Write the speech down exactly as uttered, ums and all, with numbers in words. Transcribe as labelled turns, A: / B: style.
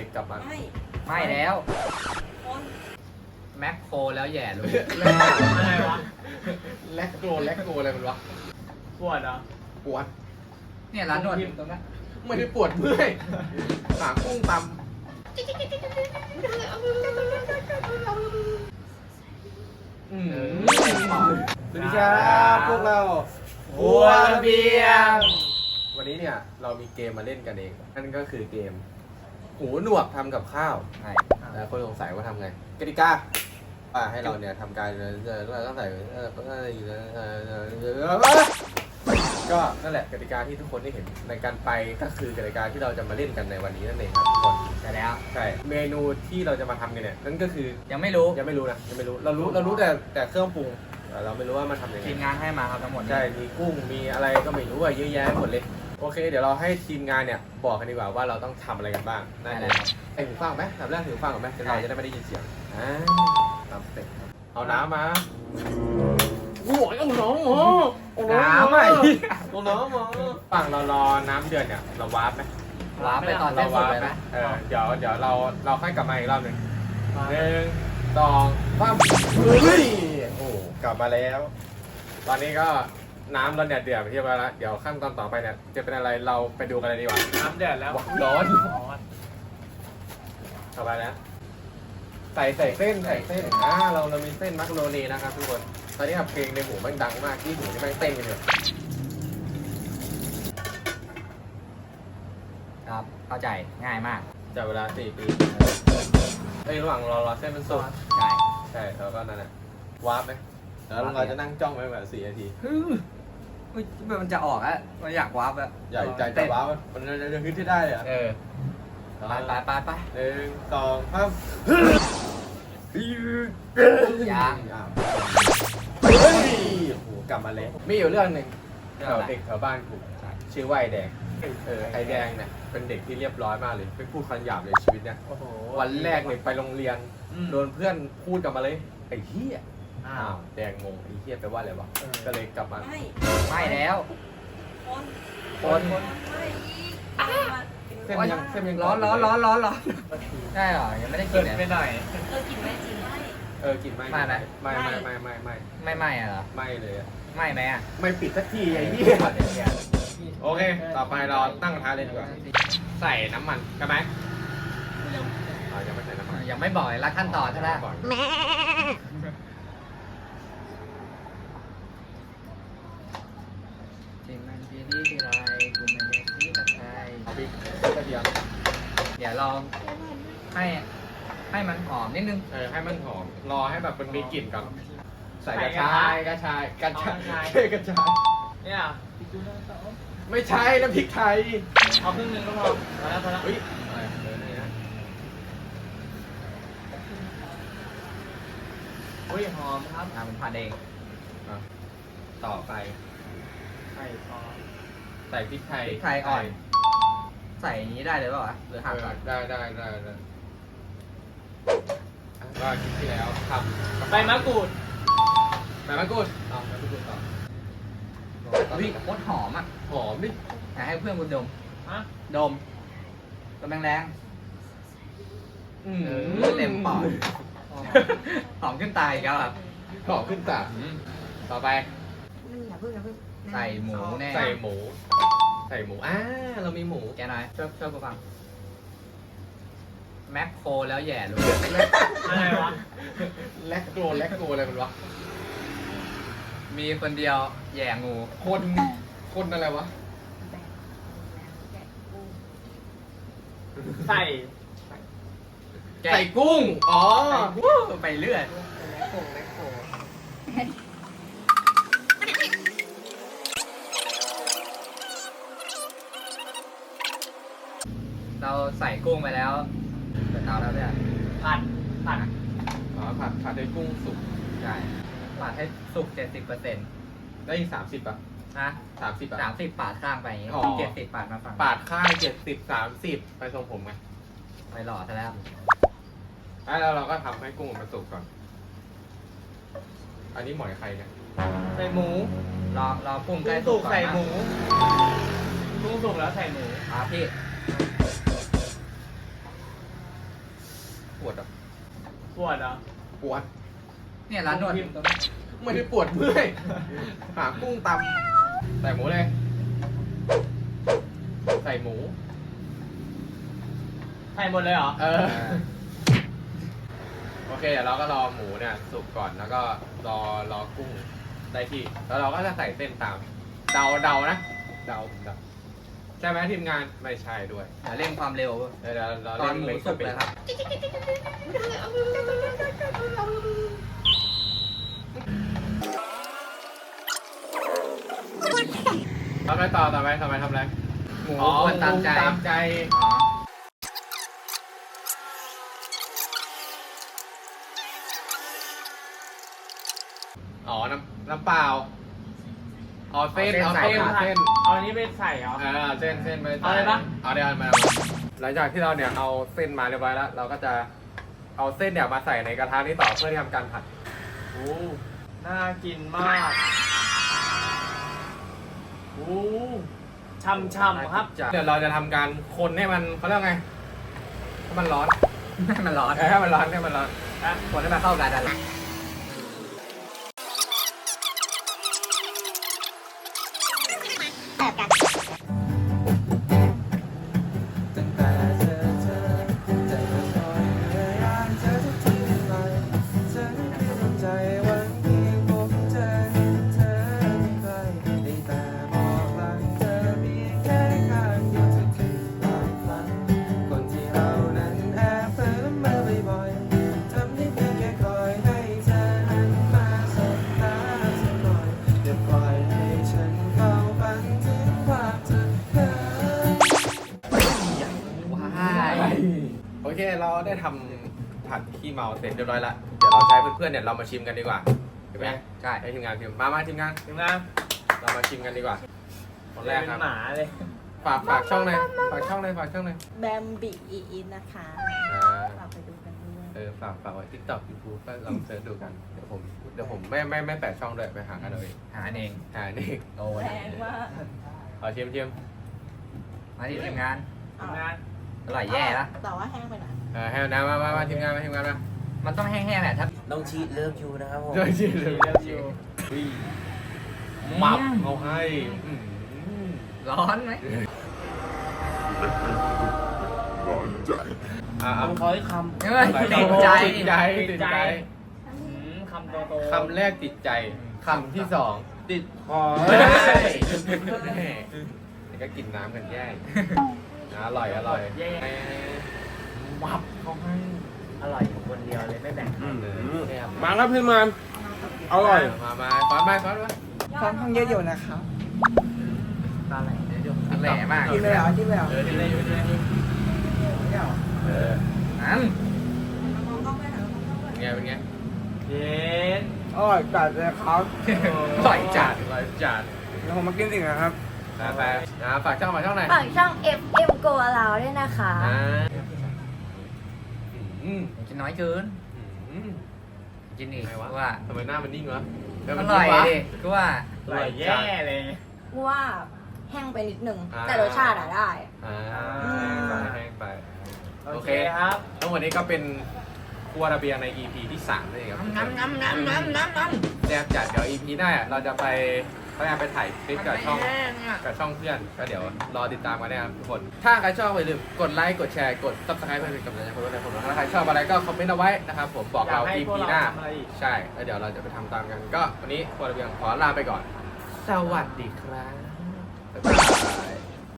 A: กลับมา
B: ไม่
C: ไม่แล้ว
B: คน
C: แม็กโครแล้วแย่รู้
D: อะไรวะ
A: แลกโกแลกโกอะไรมันวะ
D: ปวดเหรอ
A: ปวด
C: เนี่ยร้านนวดตรงนั้น
A: ไม่ได้ปวดเมื่อยหากุ้งตำอืมสวัสดีครับพวกเรา
D: บัวระเบียง
A: วันนี้เนี่ยเรามีเกมมาเล่นกันเองนั่นก็คือเกมหูหนวกทำกับข้าว
C: ใช่
A: หลายคนสงสัยว่าทำไงกติกาว่าให้เราเนี่ยทำการเราต้องใส่ก็นั่นแหละกติกาที่ทุกคนได้เห็นในการไปก็คือกติกาที่เราจะมาเล่นกันในวันนี้นั่นเองครับทุกคน
C: แต่แล้ว
A: ใช่เมนูที่เราจะมาทำกันเนี่ยนั่นก็คือ
C: ยังไม่รู้
A: ยังไม่รู้นะยังไม่รู้เรารู้เรารู้แต่แต่เครื่องปรุงแต่เราไม่รู้ว่ามันทำยังไง
C: ทีมงานให้มาครับทั้งหมด
A: ใช่มีกุ้งมีอะไรก็ไม่รู้อะเยอะแยะหมดเลยโอเค เดี๋ยวเราให้ทีมงานเนี่ยบอกกันดีกว่าว่าเราต้องทำอะไรกันบ้าง
C: ได้
A: นั่น
C: เล
A: เลย ย
C: ครับ
A: ไอ้หูฟังไหมทำแรกหูฟังก่อนไหมจะเราจะได้ไม่ได้ยินเสียงอ่าตามสเต็ปครับเอาน้ำมาโอ้ยเอาน้ำมาเอา
C: น้ำไอ้
A: เอาน้ำมาฝั่งเรารอน้ำเดือดเนี่ยเราวาร์ปไหม
C: ว้าร์ปไปตอน
A: เรา
C: เส้นสุ
A: วา
C: ด
A: ร์ป
C: เลย
A: ไหม
C: นะ
A: เออเดี๋ยวเดี๋ยวเราเราค่อยกลับมาอีกรอบหนึ่งหนึ่งสองสามเฮ้ยโอ้กลับมาแล้ว ตอนนี้ก็น้ำเราเนี่ยเดือดไปที่เรียบร้อยแล้วเดี๋ยวขั้นตอนต่อไปเนี่ยจะเป็นอะไรเราไปดูกันเลยดีกว่า
D: น้ำเดือดแล้ว
A: ร้อน
D: ร้อน
A: ต่อไปนะใส่ใส่เส้นใส่เส้นอ่าเราเรามีเส้นมักโรนีนะครับทุกคนตอนนี้ครับเพลงในหูแม่งดังมากที่หูนี่แม่งเต้นกันอยู่
C: ครับเข้าใจง่ายมาก
A: จากเวลาสี่ปีเอ้ยระหว่างรอรอเส้นมันสุก
C: ใช่
A: ใช่แล้วก็นั่นแหละวาร์ปไหมแล้วเราจะนั่งจ้องไว้แบบสี่นาที
C: ฮึเฮ้ยมันจะออกอะมันอยากวาร์ปอะ
A: ใหญ่ใจจะวาร์ปมันจะจะขึ้นที่ได้อะ
C: เออไปไปไปไป
A: หนึ่งสองสาม
C: ยัง
A: อ้าวเฮ้ยโอ้โหกลับมาแล้วมีอยู่เรื่องหนึ่ง
C: เรื่
A: แถ
C: อง
A: ว
C: อะไร
A: เด็กแถวบ้านกูชื่อว่าไอแดงเออไอแดงเนี่ยเป็นเด็กที่เรียบร้อยมากเลยไม่พูดคำหยาบเลยชีวิตเนี่ย
D: โอ้โห
A: วันแรกเนี่ยไปโรงเรียน
D: อืม
A: โดนเพื่อนพูดกลับมาเลยไอ้เหี้ย
D: อ้า
A: อ้าว วแดงงงไอ้เหี้ยแปลว่าอะไรวะ
D: เออ
A: ก็เลยกลับมา
B: ไม่
C: ไม่แล้ว
B: คน
A: คน
B: คนไม่อีก
A: เส้นยังเส้นยัง
C: ร้อนร้อนร้อนร้อนร้อนใช่เหรอยังไม่ได้กิ
D: เกิ
C: น
D: ด
C: เลย
D: ไปหน่อย
B: เออกินไม่จริงไม่
A: เออกินไม่
C: ไม่ไหม
A: ไม่ไม่ไม่ไม่ไม่
C: ไม่ไม่อะเหรอ
A: ไม่เลยอะ
C: ไม่ไหมอะ
A: ไม่ปิดสักทีไอ้เหี้ยโอเค ต่อไปเราตั้งกระทะเลยดีกว่าใส่น้ำมันกันไหมอ๋อยังไม่ใส่น้ำมัน
C: ยังไม่บอกเลยละขั้นตอนใช่ไหม
A: ก่อน
C: ที่มันที่นี่ที่ไรกูไม่ได้ที่กับใคร
A: เอาพริกกระเทียม
C: เดี๋ยวเราให้ให้มันหอมนิดนึง
A: เออให้มันหอมรอให้แบบมันมีกลิ่นก่อนใส่
D: ใส่
A: กระ
D: กระ
A: ชา
D: ชาย ย
A: กระชายกระชาย
D: เอากระชาย
A: ใช่กระชาย
D: เนี่ย
A: ไม่ใช่น้ำพริกไทย
D: เอาครึ่งหนึงก็พอพอแล้วพอแล้ว
A: เฮ้ยอะไรเออนี่นะ
D: อุ้ยหอมครับ
C: อ่ามันผัดเอง
A: อ่ะต่อไป
D: ไข่ซอส
A: ใส่พริกไทย
C: พริกไทยอ่อน ใส่อย่างนี้ได้เลยเปล่าวะหรือ
A: เอ
C: หั่น
A: อ
C: ก่อน
A: ได้ได้ได้ได้ว่าคลิปที่แล้วทำ
D: ใบมะกรูด
A: ใบมะกรูดเอาใบมะกรูดต่อ
C: วิโคตรหอมอ่ะ
A: หอมดิ
C: อยากให้เพื่อนคุณดม
D: ฮะ
C: ดมดมแรง
A: อื
C: ๆเออเต็มปอดหอมขึ้นตาอีกแล้วครับ
A: หอมขึ้นตาต่อไป
B: อย่าเพิ่งอย่าเพิ่ง
C: ใส่หมูแน่
A: ใส่หมู ใส่หมูอ่าเรามีหมู
C: แกหน่อยช่วยช่วยกูฟังแม็กโครแล้วแย่รู้
D: อะไรวะ
A: แลกโกรแลกโกรอะไรมันวะ
C: มีคนเดียวแย่งู
A: คนคนอะไรวะ
D: ใส่
C: แกะ
A: ใส่กุ้งอ๋อ
C: ไปเรื่อยเราใส่กุ้งไปแล้วเปิดเตาแล้วเนี่ย
D: ผัดผัด
A: อ๋อผัดผัดให้กุ้งสุก
C: ใช่ปาดให้สุกเจ็ดสิบเปอร์เซ็นต์
A: ได้อีกสามสิบป่ะ
C: นะ
A: สามสิบ
C: สา
A: อ่ะ
C: มสิบปาดข้างไปอย่างงี้
A: อ๋อ
C: เจ็ดสิบปาดมาฝั่ง
A: ปาดข้างเจ็ดสิบสามสิบไปทรงผมไง
C: ไปหล่อซะแล้ว
A: แล้วเราก็ทำให้กุ้งมันสุกก่อน อันนี้หมอยใครเนี่ย
D: ใส่หมู
C: รอรอกุ้งใก
D: กุ้
C: ล้
D: ง
C: สุ
D: สุ
C: ก
D: ก
C: ก่อน
D: ใส่
C: นะ
D: หมูกุ้งสุกแล้วใส่หมู
C: อ่ะพี่
A: ปวดอ่ะ
D: ปวดเหรอ
A: ปวด
C: เนี่ยร้านนวด
A: ไม่ได้ปวดเมื่อยหากุ้งตำใส่หมูเลย ใส่หมู
D: ใส่หมดเลยเหรอ
A: เออ โอเคเดี๋ยวเราก็รอหมูเนี่ยสุกก่อนแล้วก็รอรอกุ้งได้ที่ แล้วเราก็จะใส่เส้นตาม เดาเดานะ เดาเดาใช่ไหมทีมงานไม่ใช่ด้วย
C: อย่าเร่งความเร็ว
A: เดี๋ยวเราเรา
C: ตอนหมู
A: เล่
C: สุกเลยครับ
A: ทำอะไรต่อต่อไปทำไมทำอะไร
C: หมูควรตามใจ
A: ตามใจ
C: อ๋อ
A: อ๋อ น้ำน้ำเปล่าเอาเส้นเอาเส้นเส้น
D: เอาอันนี้ไปใส่เหรอ
A: เออเส้นเส้นไป
D: เอาเลยปะ
A: เอาเดี๋ยวมาหลังจากที่เราเนี่ยเอาเส้นมาเรียบร้อยแล้ว เราก็จะเอาเส้นเนี่ยมาใส่ในกระทะนี้ต่อเพื่อที่ทำการผัด
D: โอ้น่ากินมากโอ้ช่ำๆครับ
A: เดี๋ยวเราจะทำการคนให้มันเขาเรียกไงให้มันร้อน
C: ให้มันร้อน
A: เออให้มันร้อนให้มันร้อน
C: คนให้มันเข้ากันนั่นแหละ
E: ตั้งแต่เจอเธอใจก็คอยพยายามเธอทุกทีไปเธอไม่มีดวงใจหวังเพียงพบเธอเห็นเธอไม่ไกลได้แต่มองหลังเธอเพียงแค่ข้างเดียวจะถึงปลายฝันคนที่เรานั้นแอบเผลอมาบ่อยๆทำได้เพียงแค่คอยให้เธอหันมาสบตาสักหน่อยอย่าปล่อยให้ฉันเข้าฝันถึงภาพเธอเพ้อ
C: ว้าย
A: โอเคเราได้ทำผัดขี้เมาเสร็จเรียบร้อยแล้วเดี๋ยวเราใช้เพื่อนๆเนี่ยเรามาชิมกันดีกว่าเห็นไหม
C: ใช่
A: ให้ทีมงานชิมมามาทีมงาน
D: ถึงนะ
A: เรามาชิมกันดีกว่าคนแรกครับ
D: เป็นหมาเลย
A: ฝากฝากช่องเลยฝากช่องเลยฝากช่องเลย
B: แบมบีอีอินนะคะ
A: อ่า
B: ฝากไปดูกันด้วย
A: เออฝากฝากไว้ทิกตอกยูทูบก็ลองเสิร์ชดูกันเดี๋ยวผมเดี๋ยวผมไม่ไม่ไม่แปะช่องด้วยไปหากันเอาเอง
C: หาเอง
A: หานี่
C: โดน
B: แพงมาก
A: ขอชิมชิม
C: มาที่ทีมงาน
D: ถึงนะ
C: อร่อยแย่ละ
B: แต่ว่าแห้งไปหน่อย
A: เออให้น้ำมามามาทีมงานมาทีมงานมา
C: มันต้องแห้งๆแหละถ้า
E: น้องชีเลิฟยูนะครับผม
A: ช่วยชิมเลย
D: เลิฟยู
A: มับเอาให้อืม
C: ร้อนไหม
A: อ่า
D: ผมขอให้คำ
C: เฮ้ยติดใจ
A: ติดใจติดใจ
D: อืมคำโตๆ
A: คำแรกติดใจคำที่สองติดคอนี่ก็กินน้ำกันแย่อร่อยอร่อย
D: แย่
A: มับเขาให้
D: อร่อยอยู่คนเดียวเลยไม่แบ่ง
A: มาครับพี่มันอร่อยมามาฟอนไปฟอนไป
E: ค่อนข้างเยอะอยู่นะครับ
D: ตาไหลเดี๋ยว
C: แหล่มาก
E: กินเลยเหรอกินเลยเหรอ
A: เออที่ไหนอยู่ที่ไหนเออ
C: นั้น
A: เป็นไงเป็นไง
D: เย็น
E: อร่อยจัดเลยครับ
C: อร่อยจัด
A: อร่อยจัด
E: เดี๋ยวผมมากินสิ่งนะครับ
A: นะไปนะฝากช่องฝากช่องไหนอย
B: ฝากช่อง เอฟ เอ็ม Go Allow ด้วยนะคะ
A: อ่าอืม
C: กินน้อยเกิน
A: อืม
C: กินอีก
A: ไงวะ
C: ว่า
A: ทำไมหน้ามันนิ่งวะ
C: อร่อยดิก็ว่า
D: อร่อยแย่เลย
B: เพราะว่าแห้งไปนิดนึง
A: อ่า
B: แต่รสชาติอะได้
A: อ่า
B: อืม
A: แห้งไป
D: โอ
A: โอ
D: เค
A: เค
D: ครับ
A: ทั้งหมดนี้ก็เป็นครัวระเบียงใน อี พี ที่สามนั่นเองครับ
C: น้ำน้ำน้ำน้ำน้ำน้ำ
A: แซ่บจัดเดี๋ยว อี พี หน้าเราจะไปพยายามไปถ่ายคลิปกับช่องกับช่องเพื่อนก็เดี๋ยวรอติดตามกันนะครับทุกคน ถ้าใครชอบอย่าลืมกดไลค์กดแชร์กด ซับสไครป์เพื่อเป็นกำลังใจให้พวกเราผมถ้าใครชอบอะไรก็คอมเมนต์เอาไว้นะครับผมบอกเรา
D: อยากให้
A: อี
D: พวก
A: พี
D: เรา
A: หน้า
D: ทำอะไรอีก
A: ใช่แล้วเดี๋ยวเราจะไปทำตามกัน ก็วันนี้ครัวระเบียงขอลาไปก่อน สวัสดีครับบ๊ายบาย